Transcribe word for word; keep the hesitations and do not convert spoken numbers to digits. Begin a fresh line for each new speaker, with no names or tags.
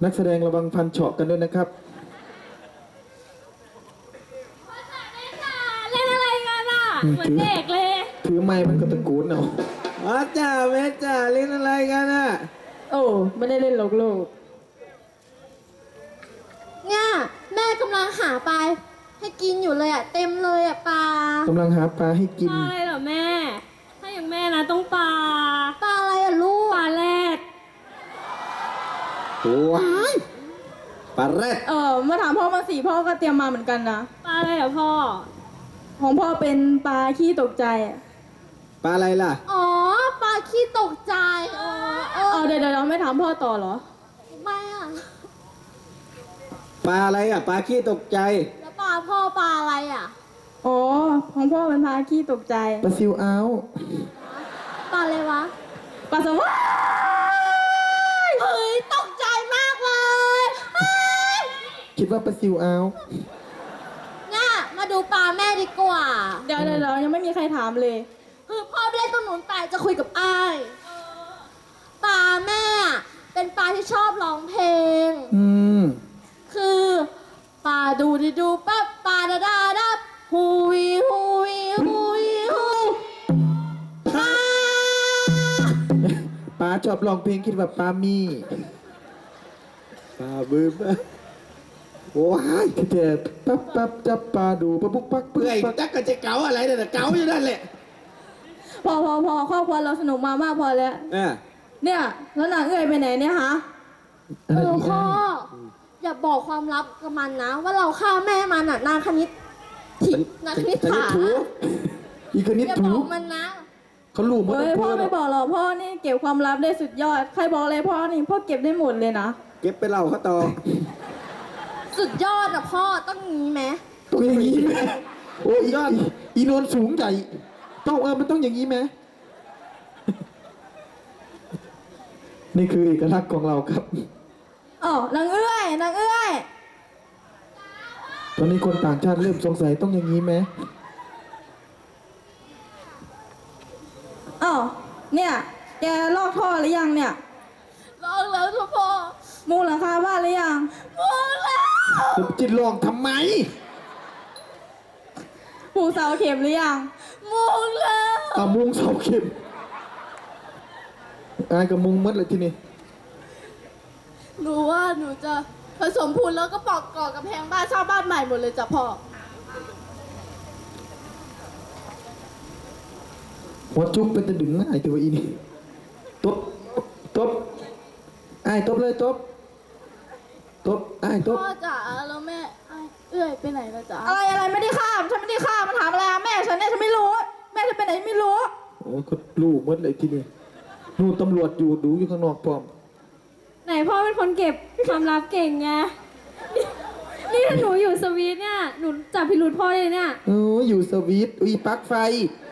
นักแสดงระวังฟันเฉาะกันด้วยนะครับ
เล่นอะไรกันอ่ะเหมือนเด็กเลย
ถือไม้มันก็ตะโกนเอา
อ๋อจ้าแม่จ้าเล่นอะไรกันอ่ะ
โอ้ไม่ได้เล่นหรอกลูก
เนี่ยแม่กำลังหาปลาให้กินอยู่เลยอ่ะเต็มเลยอ่ะปลาก
ำลังหาปลาให้กิน
ปลาอะไรเหรอแม่ ถ้าอย่างแม่นะต้องปลา
ปลาอะไรอ่ะลูก
ปลาแรด
ว้ายปลาแรด
เออมาถามพ่อมาสิพ่อก็เตรียมมาเหมือนกันนะ
ปลาอะไรเหรอพ่อ
ของพ่อเป็นปลาขี้ตกใจอะ
ปลาอะไรล่ะ
อ๋อปลาขี้ตกใจเออเอ
เอ
อ
อเดี๋ยวเดี๋ยวเราไม่ถามพ่อต่อเหรอ
ไม่อ่ะ
ปลาอะไรอ่ะปลาขี้ตกใจ
แล้วปลาพ่อปลาอะไรอ่ะ
อ๋อของพ่อเป็นปลาขี้ตกใจ
ปลาซิวเอา
ปลาอะไรวะ
ปลาสวาย
เฮ้ยตกใจมากเลยเฮ้ย
คิดว่าปลาซิวเอา
เนี่ยมาดูปลาแม่ดีกว่า
เดี๋ยวเดี๋ยวเดี๋ยวยังไม่มีใครถามเลย
คือพ่อไปเล่นตรงนู้นไปจะคุยกับอ้ายปลาแม่อะเป็นปลาที่ชอบร้องเพลง
อืม
คือปลาดูดิดูปั๊บปลาดาดาดับฮูวีฮูวีฮูวีฮูปลา
ปลาชอบร้องเพลงคิดว่าปลามี
ปลาบึ้มว้าย
คือแต่ปั๊บปั๊บจับปลาดูปั๊บปุ๊บปั๊บ
เปื่อย
ปั๊บ
จักกะจะเก๋าอะไรเนี่ยเก๋าอยู่นั่นแหละ
พอพอพอครอบครัวเราสนุกมามากพอแล้ว
เออ
เนี่ยแล้วนางเอ้ยไปไหนเนี่ยฮะ
เออพ่ออย่าบอกความลับกับมันนะ ว่าเราฆ่าแม่มันน่ะนางคณิตถินางคณิต
ชนิด
ถา
ถู
อีกนิด
อย่าบ
ถู
อกมันนะ
เขารู้หมด
เฮ้ย
ทุก
พ่อ
คน
ไม่บอกหรอกพ่อนี่เก็บความลับได้สุดยอด ใครบอกเลยพ่อนี่พ่อเก็บได้หมดเลยนะ
เก็บไปเล่าเขาต่อ
สุดยอดอะพ่อต้องงี้ไหม
ต้องอย่างนี้ไหมโอ้ยยอดอีโนนสูงใหญ่ต้องเออมันต้องอย่างนี้ไหมนี่คือเอกลักษณ์ของเราครับ
อ๋อนางเอ้ยนางเอ้ย
ตอนนี้คนต่างชาติเริ่มสงสัยต้องอย่างนี้ไหม
อ๋อเนี่ยแกลอกท่อหรือยังเนี่ย
ลองแล้วทุกพ่อ
มุงหลังคาบ้านหรือยัง
มองแล้ว
จะจิตลองทำไม
ผูกเสาเข็มหรือยัง
มองแล้ว
เอามุงเสาเข็มอายกับมุงมัดเลยที่นี่
หนูว่าหนูจะผสมพูนแล้วก็ปอกก่อกำแพงบ้านเช่าบ้านใหม่หมดเลยจ้ะพ่อ
หัวจุกเป็นตะดึงง่ายตัวอีนี่ตบตบไอ้ายตบเลยตบตบไอ้ายตบ
พ่อจ๋าแล้วแม่ไอ้เอื้อยไปไหนละจ๊ะ
อะไรอะไรไม่ได้ฆ่าฉันไม่ได้ฆ่ามันถามอะไรอะแม่ฉันเนี่ยฉันไม่รู้ แม่ฉันไปไหนไม่รู้
โอ้เขาลูกมัดเลยที่นี่นู่นตำรวจอยู่ดูอยู่ข้างนอกพร้อม
ไหนพ่อเป็นคนเก็บความลับเก่งไง นี่ถ้าหนูอยู่สวีทเนี่ย หนูจับพิรุธพ่อเลยเนี่ย
เอออยู่สวิตอุ้ยปลั๊กไฟ